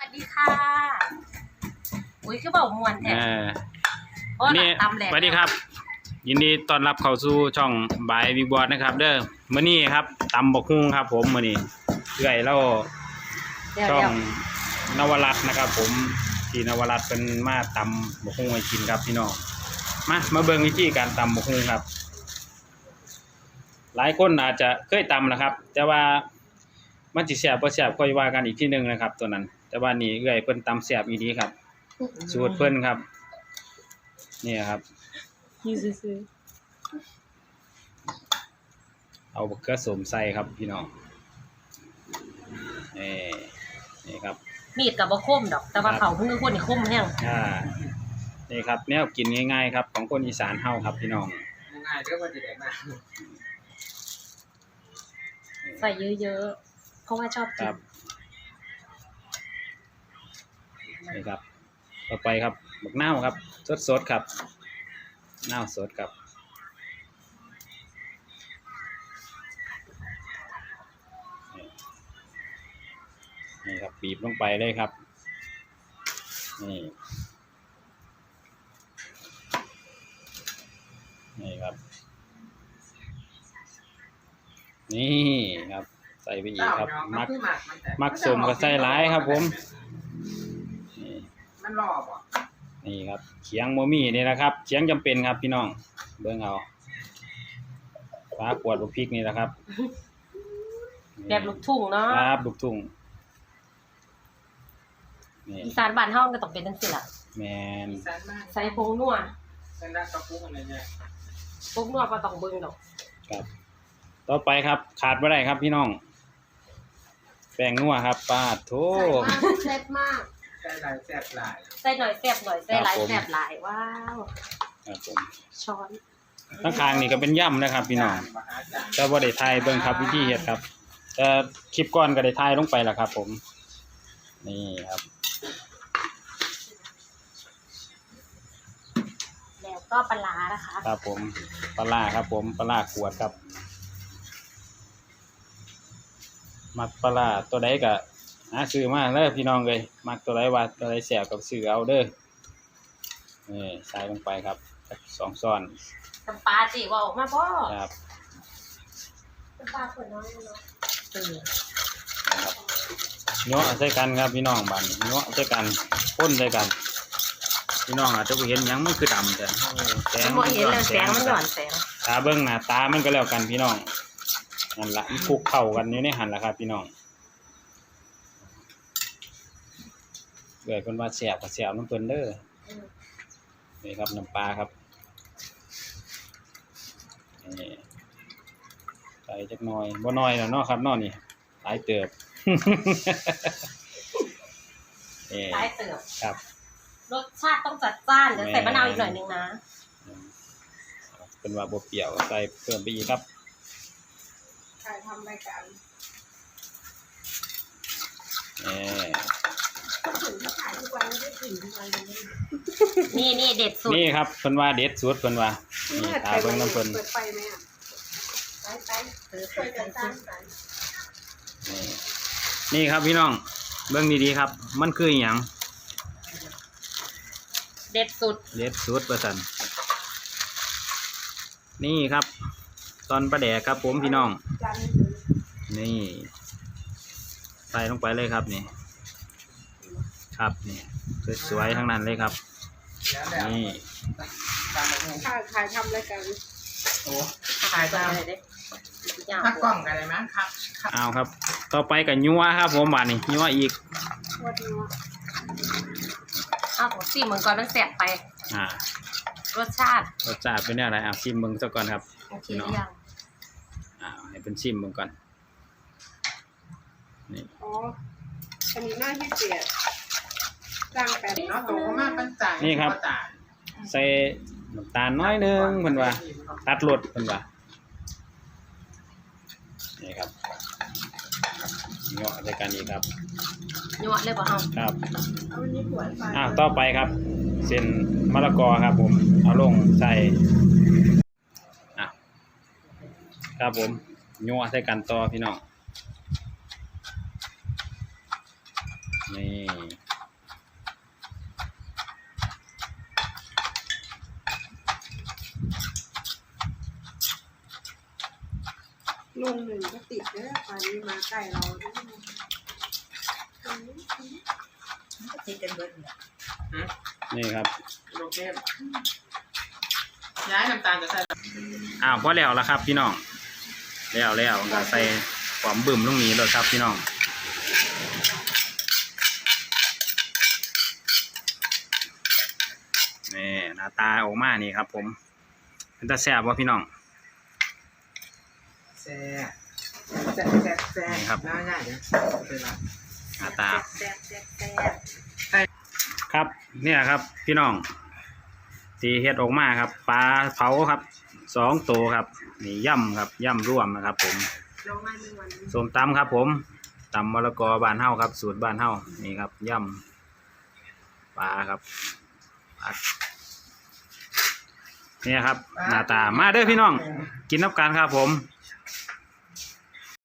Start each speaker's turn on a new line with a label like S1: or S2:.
S1: วัสดีค่ะอุ้ยคือเบามวนแท้
S2: นี่สวัสดีครับยินดีต้อนรับเข้าสู่ช่องบายบิ๊กบอสนะครับเด้อมื้อนี้ครับตำบักหุ่งครับผมมื้อนี้เอื้อยเราช่องนวรัตน์นะครับผมที่นวรัตน์เป็นมาตำบักหุ่งให้กินครับพี่น้องมาเบิ่งวิธีการตำบักหุ่งครับหลายคนอาจจะเคยตำนะครับแต่ว่ามันสิแซ่บบ่แซ่บค่อยว่ากันอีกทีนึงนะครับตัวนั้นแต่ว่านี่เอื้อยเพิ่นตำแซ่บอีหลีครับสูตรเพิ่นครับนี่ครับเอาบักเขือส้มใส่ครับพี่น้องนี่ครับ
S1: มีดกับบ่คมดอกแต่ว่าเขาเพิ่งคนนี่คมแห้ง
S2: นี่ครับแนวกินง่ายๆครับของคนอีสานเฮาครับพี่น้อง
S3: ง่ายๆเด้อบ่สิได้มา
S1: ใส่เยอะๆเพราะว่าชอบกิน
S2: นี่ครับต่อไปครับบักนาวครับสดๆครับนาวสดครับนี่ครับบีบลงไปเลยครับนี่ครับนี่ครับใส่ไปอีกครับมักสมกับใส่หลายครับผม
S3: มันรอบ่
S2: นี่ครับเขียงโมมี่นี่นะครับเขียงจำเป็นครับพี่น้องเบิ่งเอาฟ้าขวดลูกพริกนี่แหละครับ
S1: แบบลูกทุ่งเนาะ
S2: ครับลูกทุ่ง
S1: อีสานบ้านเฮาก็ต้องเป็นจังซี่ล่ะ
S2: แม่น
S1: ใส่ผงนัว
S3: ใส่น้ำตะกุ่อะไรเนี่ย
S1: ผงนัวบ่ต้องเบิ่งดอก
S2: ครับต่อไปครับขาดบ่ได้ครับพี่น้องแป้งนัวครับปาดโถ
S1: แซ่บมาก
S3: ใส่หลายแซ่บหลาย
S1: ใส่หน่อยแซ่บหน่อยใส่หลายแซ่บหลายว้าว
S2: ครับผม
S1: ช้อน
S2: ข้างๆนี่ก็เป็นย่ำนะครับพี่น้องแต่บ่ได้ถ่ายเบิ่งครับวิธีเฮ็ดครับแต่คลิปก่อนก็ได้ถ่ายลงไปแล้วครับผมนี่ครับ
S1: แล้วก็ปลานะคะ
S2: ครับผมปลาครับผมปลาขวดครับมักปลาตัวใดก็หาซื้อมาเด้อพี่น้องเลยมักตัวใดว่าตัวใดแซ่บก็ซื้อเอาเด้อนี่ใส่ลงไปครับ2ช้อน
S1: น้ำปลาจิว่าออกมาบ่
S2: ครับ
S1: น้ำปลาขวดน้อยเนาะ
S2: ครับเนาะใส่กันครับพี่น้องบัดนี้เนาะใส่กันพ่นใส่กันพี่น้องอาจจะบ่เห็นหยังมันคือดำแต่
S1: แสงบ่เห็นแล้วแสงมันย้อนแสง
S2: ตาเบิ่งหน้าตามันก็แล้วกันพี่น้องนั่นล่ะมันคลุกเข้ากันอยู่ในหั่นล่ะครับพี่น้องเกิดเพิ่นว่าแซ่บก็แซ่บนำเพิ่นเด้อนี่ครับน้ำปลาครับนี่ใส่จักหน่อยบ่น้อยแล้วเนาะครับเนาะนี่หลายเติบ
S1: หลายเติบ
S2: ครับ
S1: รสชาติต้องจัดจ้านเดี๋ยวใส่มะนาวอีกหน่อยนึงนะ
S2: เป็นว่าบ่เปรี้ยวใส่เพิ่มไปอีกครับ
S3: ถ่ายทำรายการ
S1: นี่เด็ดสุด
S2: นี่ครับเพิ่นว่าเด็ดสุดเพิ่นว่านี่ตาเบิ่งน้ำเพิ่น
S3: ไปไหมอ่ะไป
S2: นี่ครับพี่น้องเบิ่งดีๆครับมันคือหยัง
S1: เด็ดสุด
S2: ว่าซั่นนี่ครับตอนปลาแดกครับผมพี่น้องนี่ใส่ลงไปเลยครับนี่ครับนี่สวยๆทั้งนั้นเลยครับนี่
S3: ถ่ายทำรายการโอ้ถ่ายทำอะไรเด้ถ้ากล้องอะไรมั้งครับ
S2: เอาครับต่อไปกับยัวครับผมบาดนี้ยัวอีก
S1: ผมชิมมึงก่อนมันแสบไปรสชาติ
S2: เป็นอะไรชิมมึงซะก่อนครับ
S1: พี่น้อง
S2: ให้เป็นชิมมึงก่อนนี่
S3: อันนี้น่าที่เสียจ้างแปดเนาะโตมากปั้นจ่าย
S2: นี่ครับใส่น้ำตาลน้อยนึงเพิ่นว่าตัดรสเพิ่นว่านี่ครับเนาะในการนี้ครับ
S1: เนาะเลยบ่เฮา
S2: ครับต่อไปครับเส้นมะละกอครับผมเอาลงใส่ครับผมยัวใส่กันต่อพี่น้องนี่
S3: ลุงหนึ่งก็ติดเด้อตอนนี้มาใกล้เราด้วยก็ติดกันเบิดเนี่ย
S2: นี่ครับ
S3: โอเคย้ายน้ำตาลจะใส่
S2: พอแล้วละครับพี่น้องแล้วก็ใส่ความบึ้มลงนี้เลยครับพี่น้องนี่หน้าตาออกมานี่ครับผมเป็นตาแซ่บวะพี่น้อง
S3: แซ่นี่ครับง่ายๆเนี่ย
S2: หน้าตา
S3: แซ่บ
S2: ครับเนี่ยครับพี่น้องตีเฮ็ดออกมาครับปลาเผาครับ2 ตัวครับนี่ย่ำครับย่ำร่วมนะครับผม
S3: ลงมาหนึ่งวัน
S2: ส้มตำครับผมตำมะละกอบ้านเฮาครับสูตรบ้านเฮานี่ครับย่ำปลาครับเนี่ยครับหน้าตามาเด้อพี่น้องกินน้ำกันครับผม